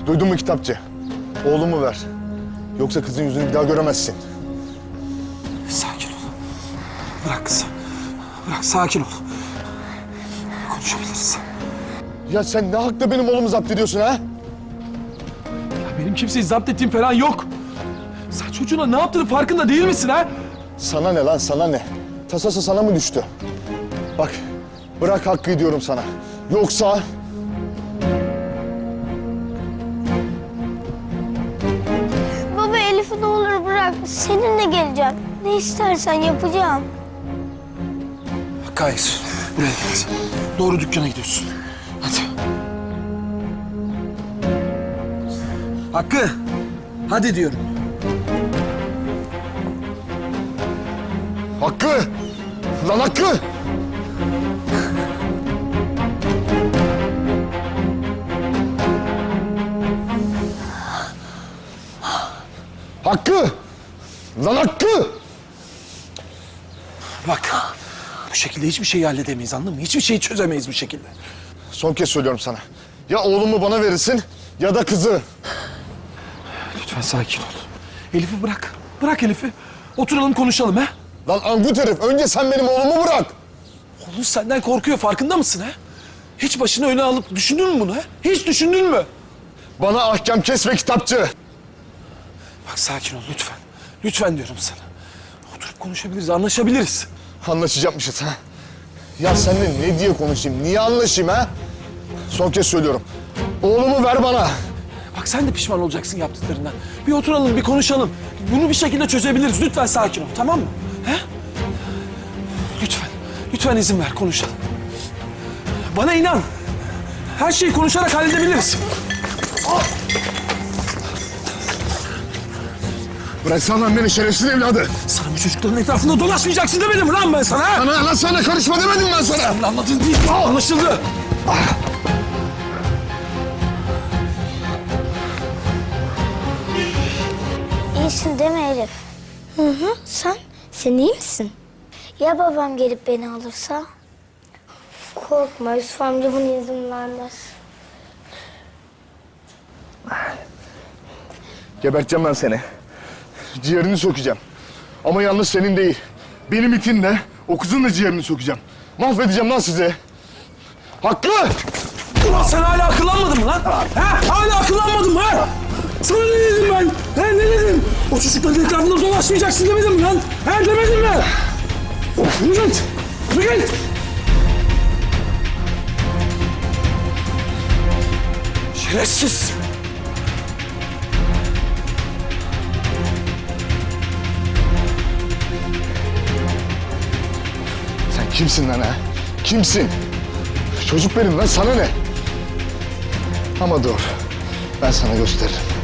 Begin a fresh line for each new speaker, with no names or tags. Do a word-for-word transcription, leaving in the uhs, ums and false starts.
Duydun mu kitapçı? Oğlumu ver. Yoksa kızın yüzünü bir daha göremezsin.
Sakin ol. Bırak kızı. Bırak, sakin ol. Konuşabiliriz.
Ya sen ne hakla benim oğlumu zapt ediyorsun ha?
Ya benim kimseyi zapt ettiğim falan yok. Sen çocuğuna ne yaptığını farkında değil misin ha?
Sana ne lan, sana ne? Tasası sana mı düştü? Bak, bırak Hakkı diyorum sana. Yoksa...
Baba Elif'i ne olur bırak. Seninle geleceğim. Ne istersen yapacağım.
Hayır. Buraya gel. Doğru dükkana gidiyorsun. Hadi. Hakkı. Hadi diyorum.
Hakkı! Lan Hakkı! Hakkı! Lan Hakkı!
Bak. Bu şekilde hiçbir şeyi halledemeyiz, anladın mı? Hiçbir şeyi çözemeyiz bu şekilde.
Son kez söylüyorum sana. Ya oğlumu bana verirsin ya da kızı.
Lütfen sakin ol. Elif'i bırak. Bırak Elif'i. Oturalım konuşalım ha.
Lan angut herif, önce sen benim oğlumu bırak.
Oğlum senden korkuyor, farkında mısın ha? Hiç başını öne alıp düşündün mü bunu ha? Hiç düşündün mü?
Bana ahkam kesme kitapçı.
Bak sakin ol lütfen. Lütfen diyorum sana. Oturup konuşabiliriz, anlaşabiliriz.
Anlaşacakmışız ha. Ya seninle ne diye konuşayım, niye anlaşayım ha? Son kez söylüyorum. Oğlumu ver bana.
Bak sen de pişman olacaksın yaptıklarından. Bir oturalım, bir konuşalım. Bunu bir şekilde çözebiliriz. Lütfen sakin ol, tamam mı? He? Lütfen, lütfen izin ver, konuşalım. Bana inan. Her şeyi konuşarak halledebiliriz.
Bıraksana lan beni şerefsiz evladı.
Sana bu çocukların etrafında dolaşmayacaksın demedim mi lan ben sana? Ha?
Sana lan sana karışma demedim ben sana.
Sen anladın değil. Anlaşıldı.
İyisin değil mi Elif? Hı hı. Sen? Sen iyi misin? Ya babam gelip beni alırsa? Korkma, Yusuf amca buna izin vermez.
Geberteceğim ben seni. Ciğerini sökeceğim. Ama yalnız senin değil. Benim itinle o kızın da ciğerini sökeceğim. Mahvedeceğim lan sizi. Hakkı!
Ulan sen hala akıllanmadın mı lan? Ha? Hala akıllanmadın mı ha? Sana ne dedim ben? Ha, ne dedim? O çocukların etrafında dolaşmayacaksın demedim mi lan? Ha, demedim mi? Yürü git! Yürü git! Şerefsiz!
Sen kimsin lan ha? Kimsin? Çocuk benim lan, sana ne? Ama dur, ben sana gösteririm.